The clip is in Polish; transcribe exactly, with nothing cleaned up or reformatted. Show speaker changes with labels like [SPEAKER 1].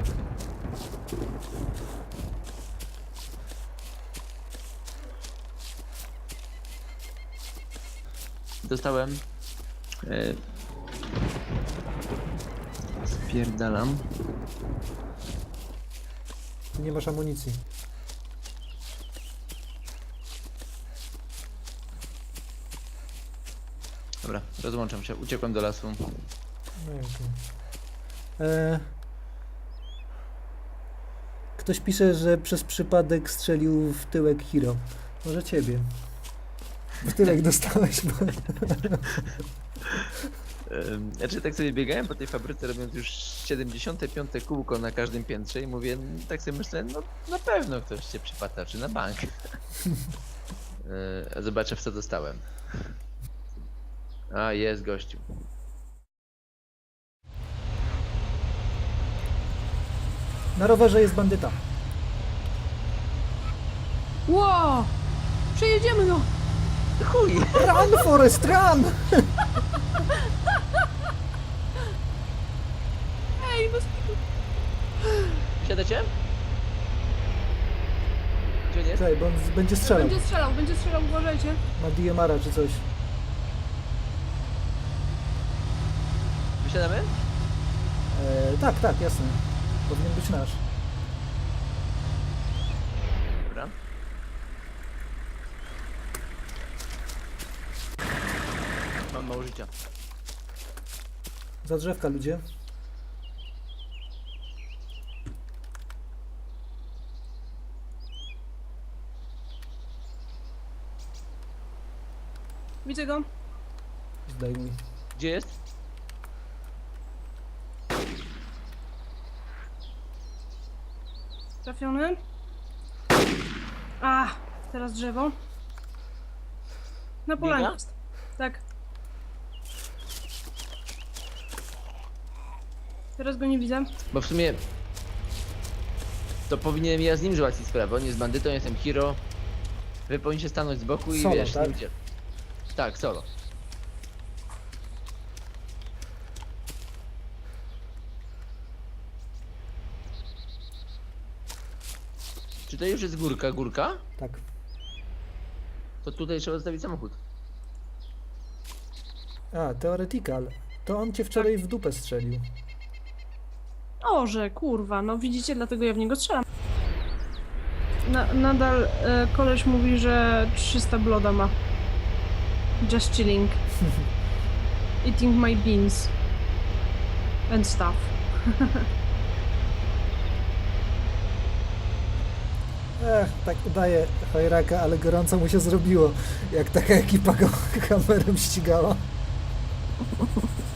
[SPEAKER 1] Dostałem. Yy. Spierdalam.
[SPEAKER 2] Nie masz amunicji.
[SPEAKER 1] Dobra, rozłączam się. Uciekłem do lasu.
[SPEAKER 2] No i okej. E... Ktoś pisze, że przez przypadek strzelił w tyłek Hiro. Może ciebie. W tyłek dostałeś, bo...
[SPEAKER 1] Ym, Znaczy tak sobie biegałem po tej fabryce, robiąc już siedemdziesiąte piąte kółko na każdym piętrze i mówię, tak sobie myślę, no na pewno ktoś się przypatrzy na bank. Yy, Zobaczę, w co dostałem. A, jest gościu.
[SPEAKER 2] Na rowerze jest bandyta.
[SPEAKER 3] Ło! Przejedziemy no!
[SPEAKER 1] Chuj!
[SPEAKER 2] Run, Forest, run!
[SPEAKER 3] Ej, no
[SPEAKER 1] Siadacie? Gdzie on jest?
[SPEAKER 2] Czekaj, bo on z- będzie strzelał.
[SPEAKER 3] będzie strzelał, będzie strzelał, uważajcie.
[SPEAKER 2] Ma D M R-a czy coś.
[SPEAKER 1] Wysiadamy?
[SPEAKER 2] E, tak, tak, jasne. Powinien być nasz.
[SPEAKER 1] Dobra. Mam mało życia.
[SPEAKER 2] Za drzewka, ludzie.
[SPEAKER 3] Widzę go.
[SPEAKER 2] Zdejmuj.
[SPEAKER 1] Gdzie jest?
[SPEAKER 3] Trafiony. A, teraz drzewo. Na polanie
[SPEAKER 1] Biega?
[SPEAKER 3] jest. Tak. Teraz go nie widzę.
[SPEAKER 1] Bo w sumie to powinienem ja z nim załatwić sprawę. On jest bandytą, ja jestem hero. Wy powinniście stanąć z boku i
[SPEAKER 2] Solo,
[SPEAKER 1] wiesz,
[SPEAKER 2] tak?
[SPEAKER 1] z nim idzie. Tak, solo. Czy to już jest górka, górka?
[SPEAKER 2] Tak.
[SPEAKER 1] To tutaj trzeba zostawić samochód.
[SPEAKER 2] A, Theoretical. To on cię wczoraj w dupę strzelił.
[SPEAKER 3] O, że kurwa, no widzicie, dlatego ja w niego strzelam. Na, nadal e, koleś mówi, że trzysta bloda ma. Just chilling. Eating my beans. And stuff.
[SPEAKER 2] Ech, tak udaje chojraka, ale gorąco mu się zrobiło, jak taka ekipa go kamerą ścigała.